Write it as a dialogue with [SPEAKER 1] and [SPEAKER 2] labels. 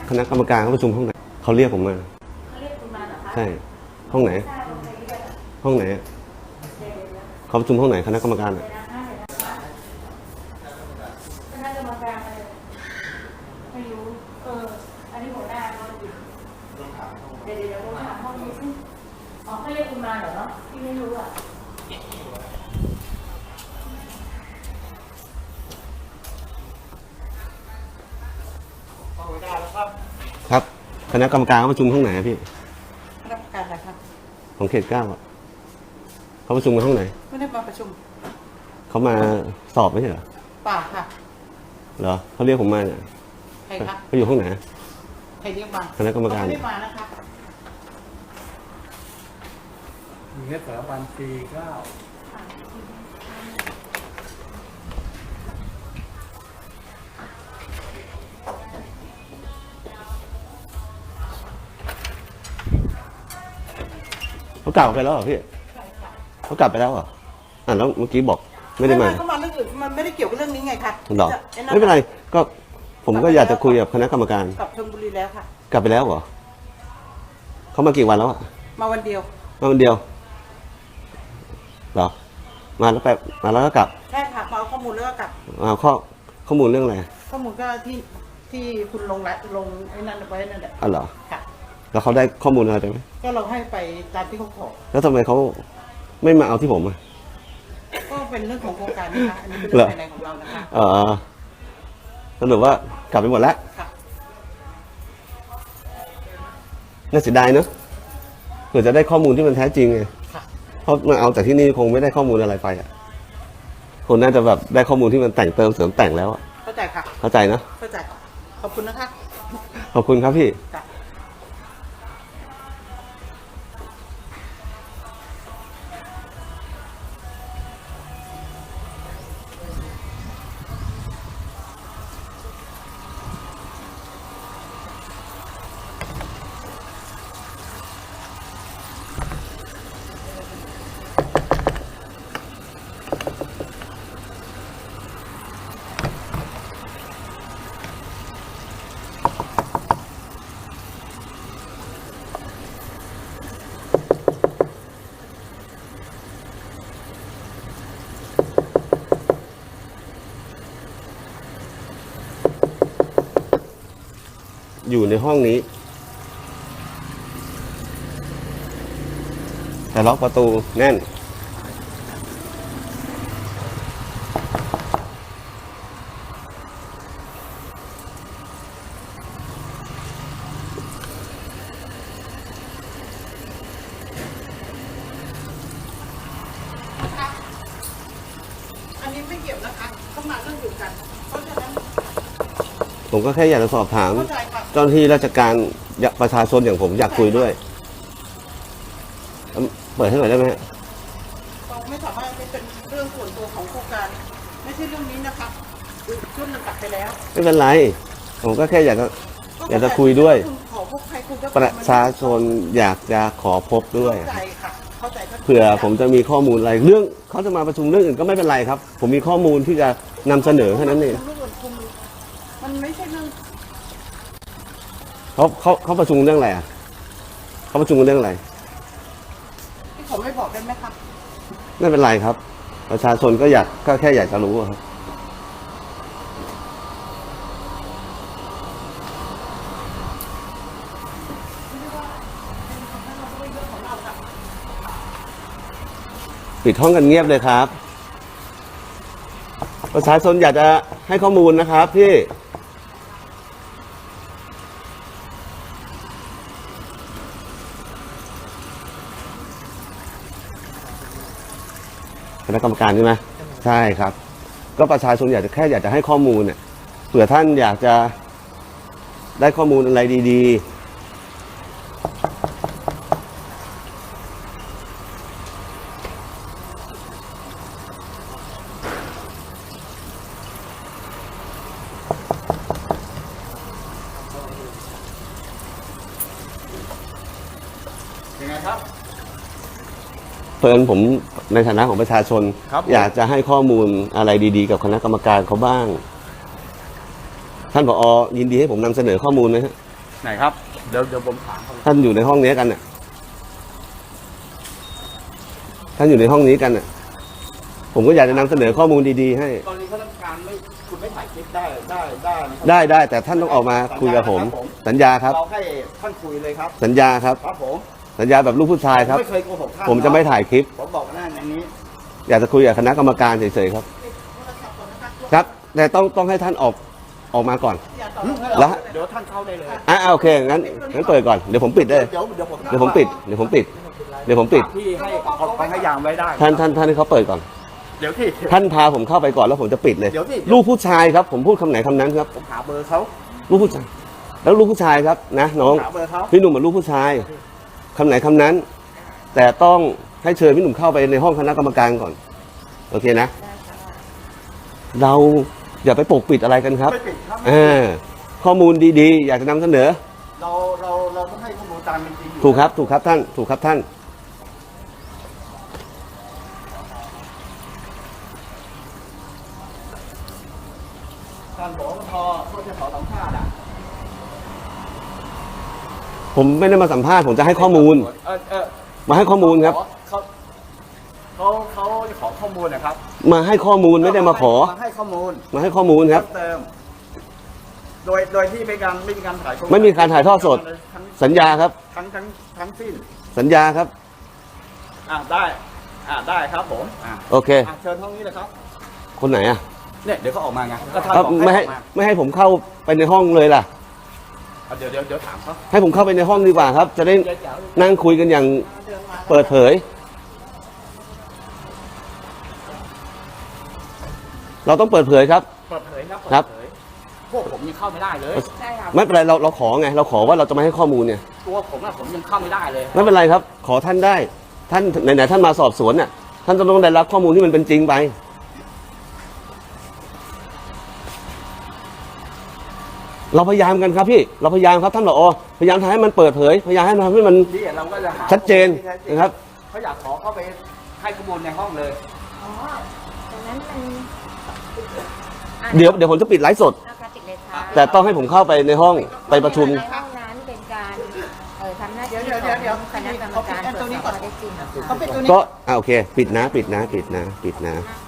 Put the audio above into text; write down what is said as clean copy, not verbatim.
[SPEAKER 1] คณะกรรมการเขาประชุมห้องไหนเขาเรียกผมมา
[SPEAKER 2] เขาเรียกคุณมาเหรอคะ
[SPEAKER 1] ใช่ห้องไหนห้องไหนเขาประชุมห้องไหนคณะกรรมการ
[SPEAKER 2] คณะกรรมการอะไรไม่รู้อันนี้หัวหน้าเขาอยู่เดี๋ยวผมถามห้องนี้สิอ๋อเขาเรียกคุณมาเหรอพี่ไม่รู้อ่ะ
[SPEAKER 1] ครับคณะกรรมการเขาประชุมห้องไหนพี่
[SPEAKER 2] คณะกรรมการอะไรครับ
[SPEAKER 1] ของเขต 9อ่ะเขาประชุมกันห้องไหน
[SPEAKER 2] ไม่ได้มาประชุม
[SPEAKER 1] เขามาสอบไม่ใช่เหรอ
[SPEAKER 2] ป่าค่ะ
[SPEAKER 1] เหรอเขาเรียกผมมาเนี่ย
[SPEAKER 2] ใครครับ
[SPEAKER 1] เขาอยู่ห้องไหน
[SPEAKER 2] ใครเรียกมา
[SPEAKER 1] คณะกรรมการ
[SPEAKER 2] ไม่ได้มานะคะ
[SPEAKER 3] มีแค่สถาบันปี9
[SPEAKER 1] เขากลับไปแล้วเหรอพี่เขากลับไปแล้วเหรอแล้วเมื่อกี้บอกไม่ได้มา
[SPEAKER 2] เขามาเรื่องอื่นมันไม่ได้เกี่ยวกับเรื่องนี้ไงคะ
[SPEAKER 1] หรอไม่เป็นไรก็ผมก็อยากจะคุยกับคณะกรรมการ
[SPEAKER 2] กลับชลบุรีแล้วค่ะ
[SPEAKER 1] กลับไปแล้วเหรอเขามากี่วันแล้วอะ
[SPEAKER 2] มาวันเดียว
[SPEAKER 1] มาวันเดียวเหรอมาแล้วก็กลับ
[SPEAKER 2] ใช่ค่ะมาเอาข้อมูลแล้วก็กลับ
[SPEAKER 1] เอาข้อมูลเรื่องอะไร
[SPEAKER 2] ข้อมูลก็ที่คุณลงไอ้นั่นไว้นั่นแหละ
[SPEAKER 1] เหรอ
[SPEAKER 2] ค่ะ
[SPEAKER 1] แล้วเขาได้ข้อมูลอะไรไปไหม
[SPEAKER 2] ก็เราให้ไปตามที่เขาขอ
[SPEAKER 1] แล้วทำไมเขาไม่มาเอาที่ผมอะ
[SPEAKER 2] ก็เป็นเรื่องของโครงการนะคะอันนี้เป็นเรื่องภายในของเรานะคะ
[SPEAKER 1] สรุปว่ากลับไปหมดแล้วน่าเสียดายเนอะเผื่อจะได้ข้อมูลที่มันแท้จริงไงเพราะมาเอาจากที่นี่คงไม่ได้ข้อมูลอะไรไปอ่ะคนน่าจะแบบได้ข้อมูลที่มันแต่งเติมเสริมแต่งแล้วอ่ะ
[SPEAKER 2] เข้าใจค่ะ
[SPEAKER 1] เข้าใจนะ
[SPEAKER 2] เข้าใจขอบคุณนะคะ
[SPEAKER 1] ขอบคุณครับพี่อยู่ในห้องนี้แต่ล็อกประตูแน่น
[SPEAKER 2] อันนี้ไม่เกี่ยวนะคะต้องมาเรื่องอยู่กันเพราะฉะนั้น
[SPEAKER 1] ผมก็แค่อยากจะสอบถามเจ้าหน้าที่ราชการประชาชนอย่างผมอยากคุยด้วยเปิดให้หน่อยได้ไหม
[SPEAKER 2] เราไม่สามารถเป็นเรื่องส่วนตัวของโครงการไม่ใช่เรื่องนี้นะคะชุดมันตัดไปแล้ว
[SPEAKER 1] ไม่เป็นไรผมก็แค่อยากจะคุยด้วยประชาชนอยากจะขอพบด้วยเผื่อผมจะมีข้อมูลอะไรเรื่องเขาจะมาประชุมเรื่องอื่นก็ไม่เป็นไรครับผมมีข้อมูลที่จะนำเสนอแค่นั้นเอง
[SPEAKER 2] มันไม่ใช่เรื่อง
[SPEAKER 1] เขาประชุมเรื่องอะไรอ่ะเขาประชุมเรื่องอะไร
[SPEAKER 2] ที่ผมไม่บอกได้ไหมครับ
[SPEAKER 1] ไม่เป็นไรครับประชาชนก็แค่อยากจะรู้ครับปิดห้องกันเงียบเลยครับประชาชนอยากจะให้ข้อมูลนะครับพี่คณะกรรมการใช่ไหมใช่ครับก็ประชาชนอยากจะให้ข้อมูลเนี่ยเผื่อท่านอยากจะได้ข้อมูลอะไรดีๆ
[SPEAKER 3] ยังไงครับ
[SPEAKER 1] เพิ่นผมในฐานะของประชาชนอยากจะให้ข้อมูลอะไรดีๆกับคณะกรรมการเขาบ้างท่านผอ.ยินดีให้ผมนำเสนอข้อมูลไหมฮะ
[SPEAKER 3] ไหนครับ เดี๋ยวผมถามเขา
[SPEAKER 1] ท่านอยู่ในห้องนี้กันน่ะท่านอยู่ในห้องนี้กันน่ะผมก็อยากจะนำเสนอข้อมูลดีๆให้
[SPEAKER 3] กรณีข้าราชการไม่คุณไม่ถ่ายคลิปได้นะครับ
[SPEAKER 1] ได้แต่ท่านต้องออกมาคุยกับผม สัญญาครับ
[SPEAKER 3] เราให้ท่านคุยเลยครับ
[SPEAKER 1] สัญญาครับ
[SPEAKER 3] ครับผม
[SPEAKER 1] สัญญาแบบลูกผู้ชายครับ
[SPEAKER 3] ไม่เคยโกหกท่าน
[SPEAKER 1] ผมจะไม่ถ่ายคลิป
[SPEAKER 3] ผมบอกหน้าอย่างนี้
[SPEAKER 1] อยากจะคุยกับคณะกรรมการเฉยๆครับ ครับ แต่ต้องให้ท่านออกมาก่อน แล้ว
[SPEAKER 3] เดี๋ยวท่านเข้าได้เลย
[SPEAKER 1] โอเคงั้นเปิดก่อนเดี๋ยวผมปิดได้
[SPEAKER 3] เดี๋ยวผม
[SPEAKER 1] เดี๋ยวผมปิดเดี๋ยวผมปิดเดี๋ยวผมปิด
[SPEAKER 3] พี่ให้ออกไปให้ยามไว้ได้
[SPEAKER 1] ท่านให้เขาเปิดก่อน
[SPEAKER 3] เดี๋ยวที่
[SPEAKER 1] ท่านพาผมเข้าไปก่อนแล้วผมจะปิดเลย
[SPEAKER 3] เดี๋ยวสิ
[SPEAKER 1] ลูกผู้ชายครับ ผมพูดคำไหนคำนั้นครับ
[SPEAKER 3] ผมหาเบอร์เขา
[SPEAKER 1] ลูกผู้ชาย แล้วลูกผู้ชายครับนะน้อง
[SPEAKER 3] หาเบอร์เขา
[SPEAKER 1] พี่หนุ่มเป็นลูกผู้ชายคำไหนคำนั้น แต่ต้องให้เชิญพี่หนุ่มเข้าไปในห้องคณะกรรมการก่อนโอเคนะ เราอย่าไปปกปิดอะไรกันครับ
[SPEAKER 3] ไม่ปิดครับ
[SPEAKER 1] ข้อมูลดีๆ อยากจะนำเสนอ
[SPEAKER 3] เราต้องให้ข้อมูลตามเป็นจริงอยู่
[SPEAKER 1] ถูกครับท่านถูกครับท่าน
[SPEAKER 3] ท่านบอกว่าพอเขาจะขอสัมภาษณ์อ่ะ
[SPEAKER 1] ผมไม่ได้มาสัมภาษณ์ผมจะให้ข้อมูล มาให้ข้อมูลครับ
[SPEAKER 3] เขาจะขอข้อมูลนะครับ
[SPEAKER 1] มาให้ข้อมูลไม่ได้มาขอ
[SPEAKER 3] มาให้ข้อมูล
[SPEAKER 1] มาให้ข้อมูลครับ
[SPEAKER 3] เพิ่มเติมโดยที่ไม่มีการถ่าย
[SPEAKER 1] ไม่มีการถ่ายทอดสด
[SPEAKER 3] ทั้ง
[SPEAKER 1] สัญญาครับ
[SPEAKER 3] ทั้งสิ้น
[SPEAKER 1] สัญญาครับ
[SPEAKER 3] ได้ได้ครับผม
[SPEAKER 1] โอเค
[SPEAKER 3] เชิญห้องนี้เลยครับ
[SPEAKER 1] คนไหนอ่ะ
[SPEAKER 3] เนี่ยเดี๋ยวเขาออกมาไงก็ท่าน
[SPEAKER 1] ครับ
[SPEAKER 3] บอก
[SPEAKER 1] ไม่ให้ผมเข้าไปในห้องเลยล่ะ
[SPEAKER 3] เดี๋ยวถามเขา
[SPEAKER 1] ให้ผมเข้าไปในห้องดีกว่าครับ จะได้
[SPEAKER 3] เดี๋ยว
[SPEAKER 1] นั่งคุยกันอย่างเปิดเผย เราต้องเปิดเผยครับ
[SPEAKER 3] เปิดเผยครับ
[SPEAKER 1] ครับ
[SPEAKER 3] เปิดเผยพวกผมยังเข้าไม่ได้เลย
[SPEAKER 2] ใช่ค่ะ
[SPEAKER 1] ไม่เป็นไรเราขอไงเราขอว่าเราจะมาให้ข้อมูลเนี่ย
[SPEAKER 3] ตัวผมผมยังเข้าไม่ได้เลย
[SPEAKER 1] ไม่เป็นไรครับ ขอท่านได้ ท่านไหนๆท่านมาสอบสวนน่ะท่านต้องได้รับข้อมูลที่มันเป็นจริงไป เราพยายามกันครับพี่เราพยายามครับท่านผอพยายามทำให้มันเปิดเผยพยายามให้มัน
[SPEAKER 3] นี่เราก็จะหา
[SPEAKER 1] ชัดเจนนะครับ
[SPEAKER 3] เขาอยากขอเข้าไปให้ข้อมูลในห้องเลย
[SPEAKER 2] อ๋อตรงนั้นมัน
[SPEAKER 1] เดี๋ยวผมจะปิดไลฟ์สด
[SPEAKER 2] อาการติดเลยค่ะ
[SPEAKER 1] แต่ต้องให้ผมเข้าไปในห้องไปประชุม
[SPEAKER 2] ในห้องนั้นเป็นการทำหน้าที่ของคณะกรรมการตรวจสอบข้อเท็จจริง
[SPEAKER 1] ก็โอเค ปิดนะ